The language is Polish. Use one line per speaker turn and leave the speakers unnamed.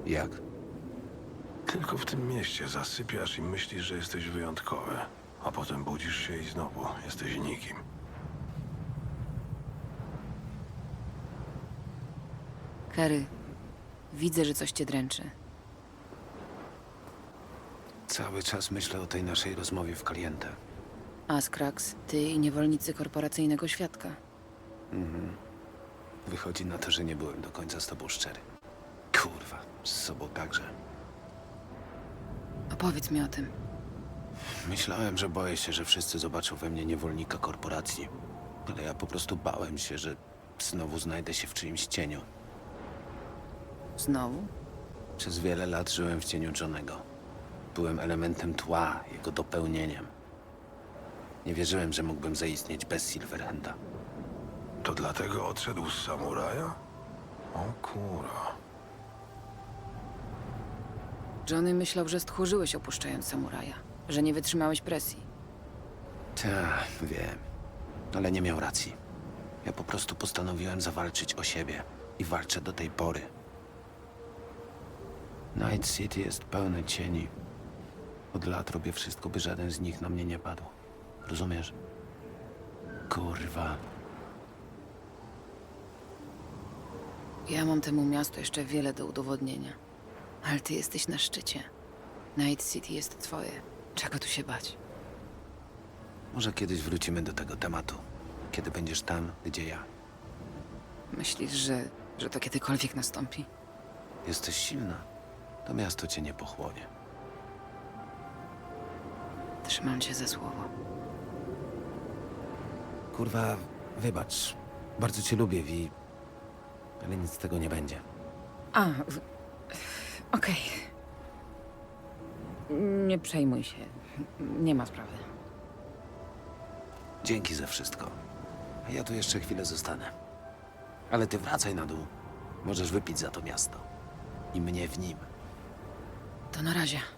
Jak?
Tylko w tym mieście zasypiasz i myślisz, że jesteś wyjątkowy, a potem budzisz się i znowu jesteś nikim.
Kerry, widzę, że coś cię dręczy.
Cały czas myślę o tej naszej rozmowie w Caliente.
Askrax, ty i niewolnicy korporacyjnego świadka.
Wychodzi na to, że nie byłem do końca z tobą szczery. Kurwa, z sobą także.
Opowiedz mi o tym.
Myślałem, że boję się, że wszyscy zobaczą we mnie niewolnika korporacji. Ale ja po prostu bałem się, że znowu znajdę się w czyimś cieniu.
Znowu?
Przez wiele lat żyłem w cieniu Johnego. Byłem elementem tła, jego dopełnieniem. Nie wierzyłem, że mógłbym zaistnieć bez Silverhanda.
To dlatego odszedł z samuraja? O kurwa.
Johnny myślał, że stchórzyłeś opuszczając samuraja. Że nie wytrzymałeś presji.
Tak, wiem. Ale nie miał racji. Ja po prostu postanowiłem zawalczyć o siebie. I walczę do tej pory. Night City jest pełne cieni. Od lat robię wszystko, by żaden z nich na mnie nie padł. Rozumiesz? Kurwa.
Ja mam temu miastu jeszcze wiele do udowodnienia. Ale ty jesteś na szczycie. Night City jest twoje. Czego tu się bać?
Może kiedyś wrócimy do tego tematu. Kiedy będziesz tam, gdzie ja.
Myślisz, że to kiedykolwiek nastąpi?
Jesteś silna. To miasto cię nie pochłonie.
Trzymam cię za słowo.
Kurwa, wybacz. Bardzo cię lubię, Vi. Ale nic z tego nie będzie.
Okej. Nie przejmuj się. Nie ma sprawy.
Dzięki za wszystko. A ja tu jeszcze chwilę zostanę. Ale ty wracaj na dół. Możesz wypić za to miasto. I mnie w nim.
To na razie.